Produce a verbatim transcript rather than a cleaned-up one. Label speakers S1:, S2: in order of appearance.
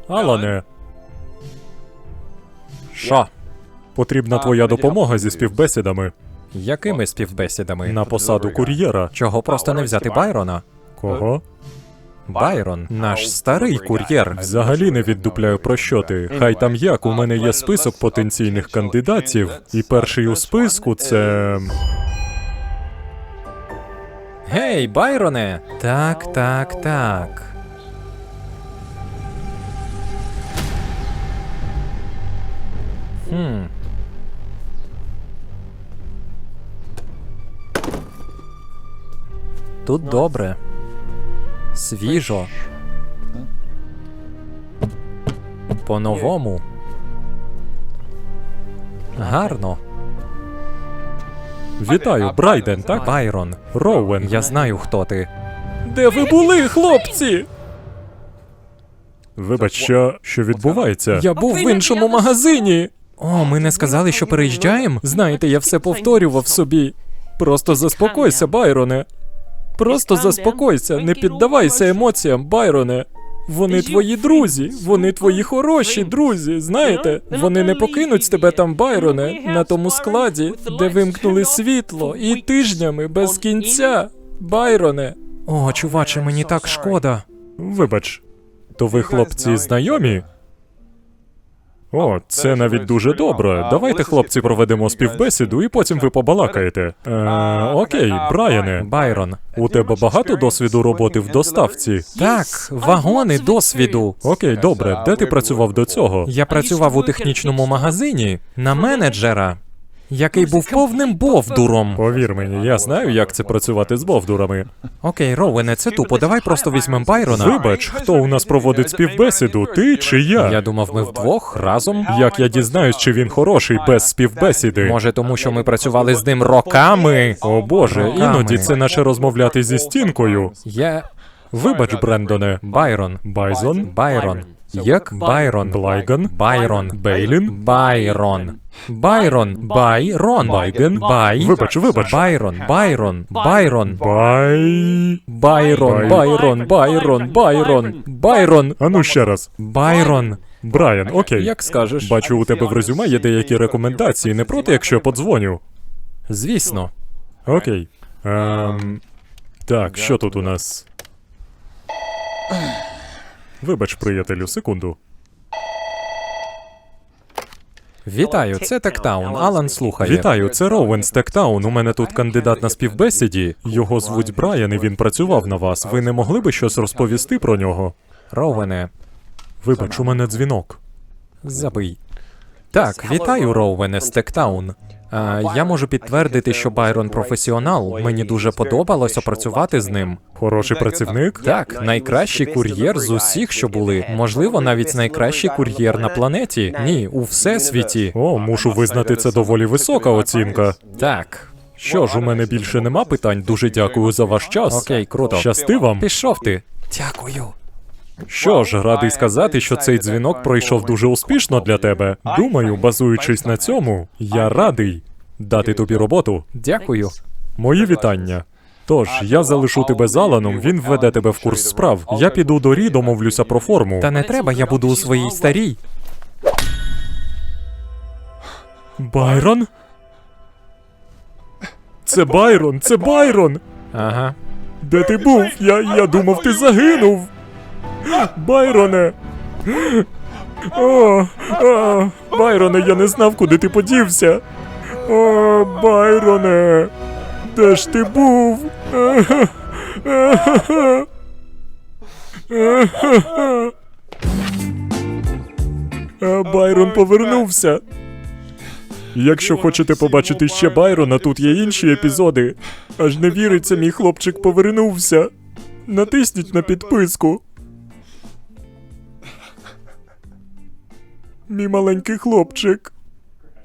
S1: Алане,
S2: Що?
S1: потрібна твоя допомога зі співбесідами
S2: Якими співбесідами?
S1: на посаду кур'єра.
S2: Чого просто не взяти Байрона?
S1: Кого?
S2: Байрон, наш старий кур'єр.
S1: Взагалі не віддупляю, про що ти. Хай там як, у мене є список потенційних кандидатів, і перший у списку це...
S2: Гей, Байроне! Так, так, так. Хм. Тут добре. Свіжо. По-новому. Гарно.
S1: Вітаю, Брайден, так?
S2: Байрон,
S1: Роуен.
S2: я знаю, хто ти.
S1: Де ви були, хлопці? Вибач, що... що відбувається?
S2: Я був в іншому магазині. О, ми не сказали, що переїжджаємо? Знаєте, я все повторював собі. Просто заспокойся, Байроне. Просто заспокойся, не піддавайся емоціям, Байроне. Вони твої друзі, вони твої хороші друзі, знаєте? Вони не покинуть тебе там, Байроне, на тому складі, де вимкнули світло, і тижнями без кінця, Байроне. О, чуваче, мені так шкода.
S1: Вибач, то ви, хлопці, знайомі? О, це навіть дуже добре. Давайте, хлопці, проведемо співбесіду і потім ви побалакаєте. Е, окей, Брайане,
S2: Байрон.
S1: у тебе багато досвіду роботи в доставці?
S2: Так, вагони досвіду.
S1: Окей, добре. Де ти працював до цього?
S2: Я працював у технічному магазині на менеджера, який був повним бовдуром.
S1: Повір мені, я знаю, як це працювати з бовдурами.
S2: Окей, Роуене, це тупо, давай просто візьмем Байрона.
S1: Вибач, хто у нас проводить співбесіду, ти чи я?
S2: Я думав, ми вдвох разом.
S1: Як я дізнаюсь, чи він хороший без співбесіди?
S2: Може, тому що ми працювали з ним роками?
S1: О боже,
S2: Роками.
S1: іноді це наче розмовляти зі стінкою.
S2: Я...
S1: Вибач, Брендоне.
S2: Байрон.
S1: Байзон?
S2: Байрон. Як? Байрон.
S1: Блайган?
S2: Байрон.
S1: Бейлін?
S2: Байрон. Байрон. Байрон.
S1: Байген?
S2: Бай.
S1: Вибач, вибач.
S2: Байрон. Байрон. Байрон.
S1: Бай...
S2: Байрон. Байрон. Байрон. Байрон. Байрон.
S1: Ану ще раз.
S2: Байрон.
S1: Брайан, окей.
S2: Як скажеш.
S1: Бачу, у тебе в резюме є деякі рекомендації. Не проти, якщо я подзвоню?
S2: Звісно.
S1: Окей. Ем... Так, що тут у нас? Вибач, приятелю, секунду.
S2: Вітаю, це Тектаун. Алан слухає.
S1: Вітаю, це Роуен з Тектаун. У мене тут кандидат на співбесіді. Його звуть Брайан, і він працював на вас. Ви не могли би щось розповісти про нього?
S2: Роуене,
S1: Вибач, у мене дзвінок.
S2: забий. Так, вітаю, Роуене з Тектаун. А, я можу підтвердити, що Байрон професіонал. Мені дуже подобалося працювати з ним.
S1: Хороший працівник?
S2: Так, найкращий кур'єр з усіх, що були. Можливо, навіть найкращий кур'єр на планеті. Ні, у всесвіті.
S1: О, мушу визнати, це доволі висока оцінка.
S2: Так.
S1: Що ж, у мене більше нема питань. Дуже дякую за ваш час.
S2: Окей, круто.
S1: Щасти вам.
S2: Пішов ти. Дякую.
S1: Що ж, радий сказати, що цей дзвінок пройшов дуже успішно для тебе. Думаю, базуючись на цьому, я радий дати тобі роботу.
S2: Дякую.
S1: Мої вітання. Тож, я залишу тебе з Аланом, він введе тебе в курс справ. Я піду до Рі, домовлюся про форму.
S2: Та не треба, я буду у своїй старій.
S1: Байрон? Це Байрон, це Байрон!
S2: Ага.
S1: Де ти був? Я, я думав, ти загинув. Байроне! О, о, Байроне, я не знав, куди ти подівся. О, Байроне! Де ж ти був? А Байрон повернувся. Якщо хочете побачити ще Байрона, тут є інші епізоди. Аж не віриться, мій хлопчик повернувся. Натисніть на підписку. Мій маленький хлопчик.